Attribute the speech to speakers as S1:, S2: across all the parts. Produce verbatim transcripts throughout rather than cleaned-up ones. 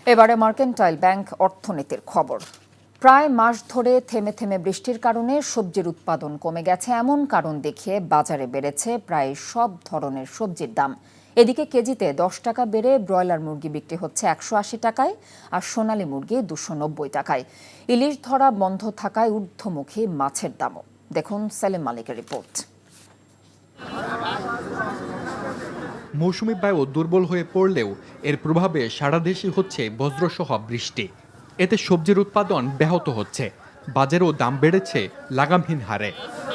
S1: এবারে mercantile bank অর্থনীতির খবর। প্রায় মাস ধরে থেমে থেমে বৃষ্টির কারণে সবজির উৎপাদন কমে গেছে এমন কারণ দেখিয়ে বাজারে বেড়েছে প্রায় সব ধরনের সবজির দাম। এদিকে কেজিতে দশ টাকা বেড়ে ব্রয়লার মুরগি বিক্রি হচ্ছে একশো আশি টাকায় আর সোনালী মুরগি দুশো নব্বই টাকায়। ইলিশ ধরা বন্ধ থাকায় ঊর্ধ্বমুখী মাছের দামও। দেখুন সেলিম মালিকের রিপোর্ট।
S2: মৌসুমি বায়ু দুর্বল হয়ে পড়লেও এর প্রভাবে সারা দেশে হচ্ছে বজ্রসহ বৃষ্টি। এতে সবজির উৎপাদন ব্যাহত হচ্ছে, বাজারেও দাম বেড়েছে লাগামহীন হারে।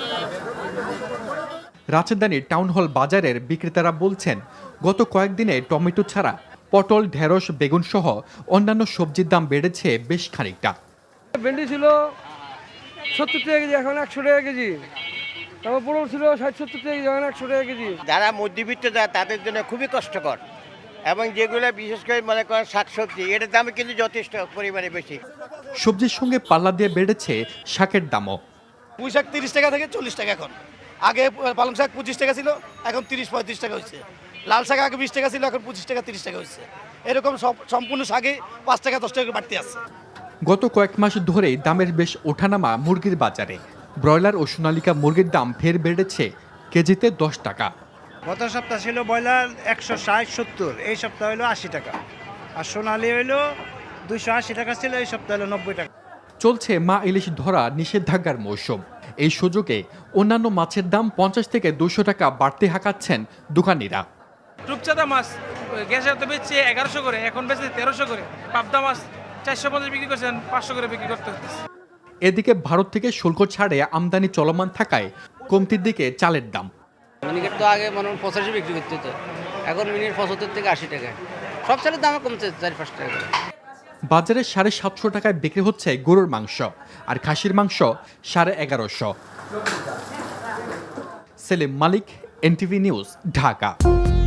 S2: রাজধানীর টাউন হল বাজারের বিক্রেতারা বলছেন, গত কয়েকদিনে টমেটো ছাড়া পটল, ঢেঁড়স, বেগুন সহ অন্যান্য সবজির দাম বেড়েছে বেশ খানিকটা।
S3: ভেন্ডি ছিল সত্তর টাকা কেজি, এখন একশো টাকা কেজি। তারপর পটল ছিল ষাট সত্তর টাকা কেজি, এখন একশো টাকা কেজি।
S4: যারা মধ্যবিত্ত যায় তাদের জন্য খুবই কষ্টকর, এবং যেগুলো বিশেষ করে মনে করেন শাকসবজি, এটার দাম কিন্তু যথেষ্ট পরিমাণে বেশি।
S2: সবজির সঙ্গে পাল্লা দিয়ে বেড়েছে শাকের দামও।
S5: পুঁই শাক তিরিশ টাকা থেকে চল্লিশ টাকা এখন। আগে পালং শাক পঁচিশ টাকা ছিল, এখন তিরিশ পঁয়ত্রিশ টাকা হচ্ছে। লাল শাক আগে বিশ টাকা ছিল, এখন পঁচিশ টাকা তিরিশ টাকা হচ্ছে। এরকম সব সম্পূর্ণ শাকে পাঁচ টাকা দশ টাকা বাড়তি আছে।
S2: গত কয়েক মাস ধরেই দামের বেশ ওঠানামা মুরগির বাজারে। ব্রয়লার ও সোনালিকা মুরগির দাম ফের বেড়েছে কেজিতে দশ টাকা।
S6: গত সপ্তাহ ছিল ব্রয়লার একশো ষাট সত্তর, এই সপ্তাহ হলো আশি টাকা, আর সোনালি হইলো দুইশো আশি টাকা ছিল, এই সপ্তাহ হলো নব্বই টাকা।
S2: চলছে মা ইলিশ ধরা নিষেধাজ্ঞার মৌসুম। এই সুযোগে অন্যান্য মাছের দাম পঞ্চাশ থেকে দুশো টাকা বাড়তে হাঁকাচ্ছেন দোকানিরা।
S7: রূপচাঁদা মাছ গ্যাসের তো বেচছে এগারোশো করে, এখন বেচছে তেরোশো করে। পাবদা মাছ চারশো পঞ্চাশ বিক্রি করছেন, পাঁচশো করে বিক্রি করতে হচ্ছে।
S2: এদিকে ভারত থেকে শুল্ক ছাড়ে আমদানি চলমান থাকায় কমতির দিকে চালের দাম।
S8: মিনিকেট তো আগে মনে পঁচাশি বিক্রি করতে হতো, এখন মিনিট পঁচাত্তর থেকে আশি টাকা। সব চালের দামে কমছে চার পাঁচ টাকা করে।
S2: বাজারে সাড়ে সাতশো টাকায় বিক্রি হচ্ছে গরুর মাংস, আর খাসির মাংস সাড়ে এগারোশো। Selim Malik, NTV news, Dhaka.